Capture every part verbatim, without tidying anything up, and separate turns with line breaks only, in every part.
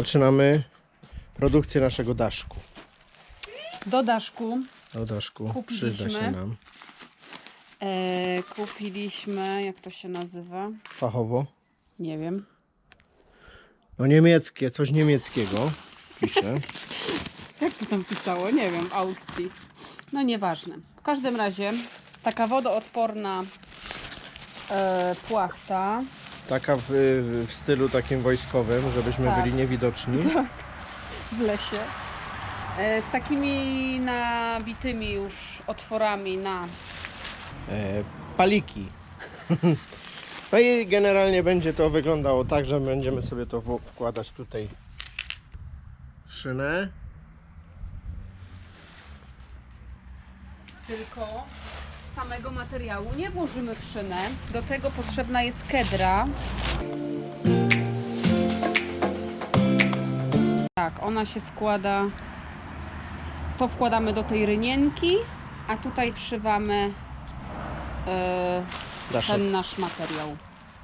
zaczynamy produkcję naszego daszku.
Do daszku
Do daszku
kupiliśmy,
przyda się nam.
E, kupiliśmy, jak to się nazywa?
Fachowo.
Nie wiem.
No niemieckie, coś niemieckiego pisze.
Jak to tam pisało? Nie wiem, aukcji. No nieważne. W każdym razie taka wodoodporna e, płachta.
Taka w, w stylu takim wojskowym, żebyśmy
Tak.
byli niewidoczni.
W lesie. E, z takimi nabitymi już otworami na...
E, paliki. No i generalnie będzie to wyglądało tak, że będziemy sobie to w- wkładać tutaj w szynę.
Tylko samego materiału nie włożymy w szynę. Do tego potrzebna jest kedra. Tak, ona się składa. To wkładamy do tej rynienki, a tutaj wszywamy e,
Daszek.
ten nasz materiał.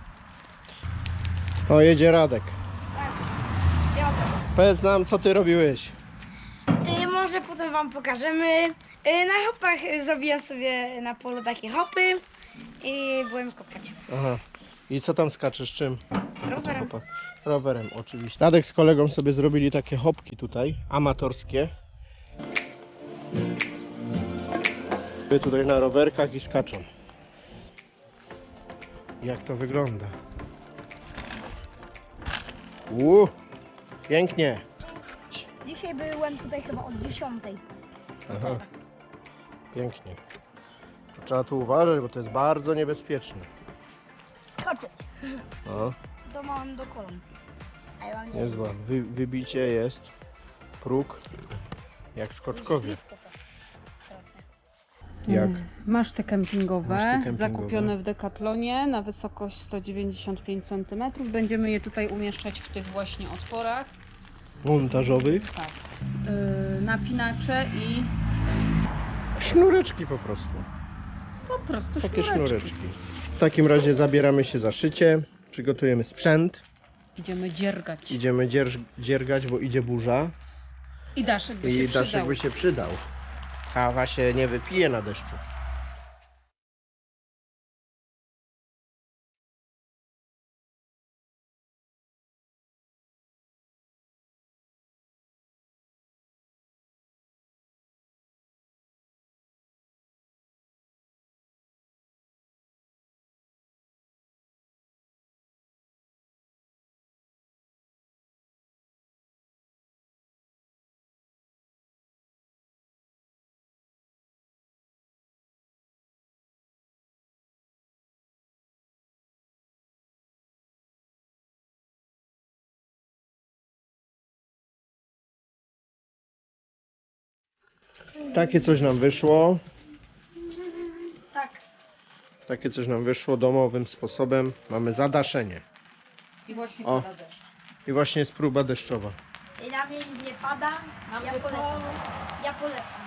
O, jedzie Radek.
Ja
Powiedz nam, co ty robiłeś.
y, może potem wam pokażemy. Y, na hopach y, zrobiłem sobie na polu takie hopy i byłem kopać
Aha. I co tam skaczesz? Czym?
rowerem.
Chłopak. Rowerem, oczywiście. Radek z kolegą sobie zrobili takie hopki tutaj, amatorskie. Wy tutaj na rowerkach i skaczą. Jak to wygląda? Uuu, pięknie.
Dzisiaj byłem tutaj chyba od dziesiątej.
Aha, pięknie. Trzeba tu uważać, bo to jest bardzo niebezpieczne.
Skoczyć.
O,
To mam do kolan. A ja mam nie
niezła. Wy, wybicie jest. Próg. Jak skoczkowie.
blisko to. Trochę.
Jak?
Mm, Maszty kempingowe,
Maszty kempingowe.
zakupione w Decathlonie na wysokość sto dziewięćdziesiąt pięć centymetrów. Będziemy je tutaj umieszczać w tych właśnie otworach.
Montażowych.
Tak. Yy, napinacze i
Sznureczki po prostu.
po prostu
Takie
sznureczki.
sznureczki. W takim razie zabieramy się za szycie. Przygotujemy sprzęt.
Idziemy dziergać.
Idziemy dzierż, dziergać, bo idzie burza.
I daszek by
I
się
daszek
przydał.
by się przydał. Kawa się nie wypije na deszczu. Takie coś nam wyszło.
Tak.
Takie coś nam wyszło domowym sposobem. Mamy zadaszenie.
I właśnie
O.
pada deszcz.
I właśnie jest próba deszczowa.
I na mnie nic nie pada.
Nam
Ja
tylko-
polecam. Ja polecam.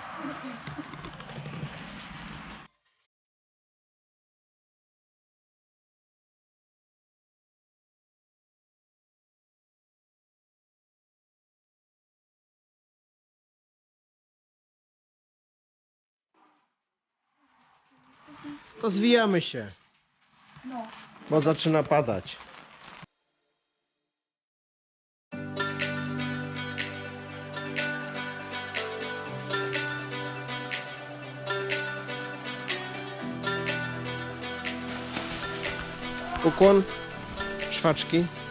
To zwijamy się,
No.
bo zaczyna padać. Ukłon, szwaczki.